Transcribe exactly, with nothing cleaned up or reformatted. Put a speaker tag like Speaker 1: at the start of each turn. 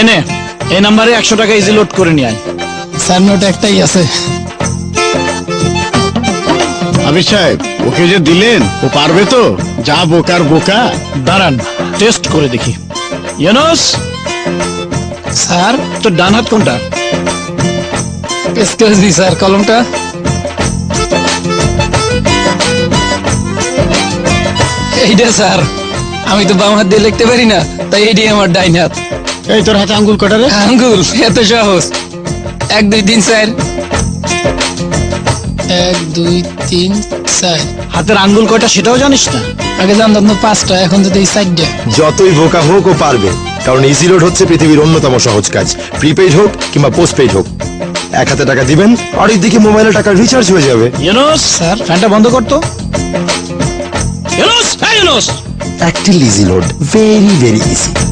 Speaker 1: এনে এই নাম্বারে একশো টাকা ইজি লোড করে নিয়ে আয়।
Speaker 2: স্যার নোট একটাই আছে।
Speaker 3: আবির সাহেব ওকে যে দিলেন ও পারবে তো? যা বোকার বোকা।
Speaker 1: দাঁড়ান টেস্ট করে দেখি। ইউনুস,
Speaker 2: স্যার
Speaker 1: তোর ডান হাত কোনটা?
Speaker 2: এক্সকিউজ মি স্যার, কলমটা এইটা স্যার। আমি তো বাম হাত দিয়ে লিখতে পারি না, তাই এইটাই আমার ডাইন হাত।
Speaker 3: এই তোর হাতে আঙ্গুল কটা রে?
Speaker 2: আঙ্গুল এত সহজ। এক দুই তিন চার, এক দুই তিন চার।
Speaker 1: হাতের আঙ্গুল কয়টা সেটাও জানিস না?
Speaker 2: আগে জানতাম তো পাঁচটা, এখন তো এই চারটা।
Speaker 4: যতই বোকা হোক ও পারবে, কারণ ইজি লোড হচ্ছে পৃথিবীর অন্যতম সহজ কাজ। প্রিপেইড হোক কিংবা পোস্টপেইড হোক, এক হাতে টাকা দিবেন আর দিকে মোবাইলে টাকা রিচার্জ হয়ে যাবে।
Speaker 1: ইউনুস
Speaker 2: স্যার।
Speaker 1: ফ্যানটা বন্ধ করতো। ইউনুস, হ্যাঁ Yunus.
Speaker 4: Active easy load, very very easy.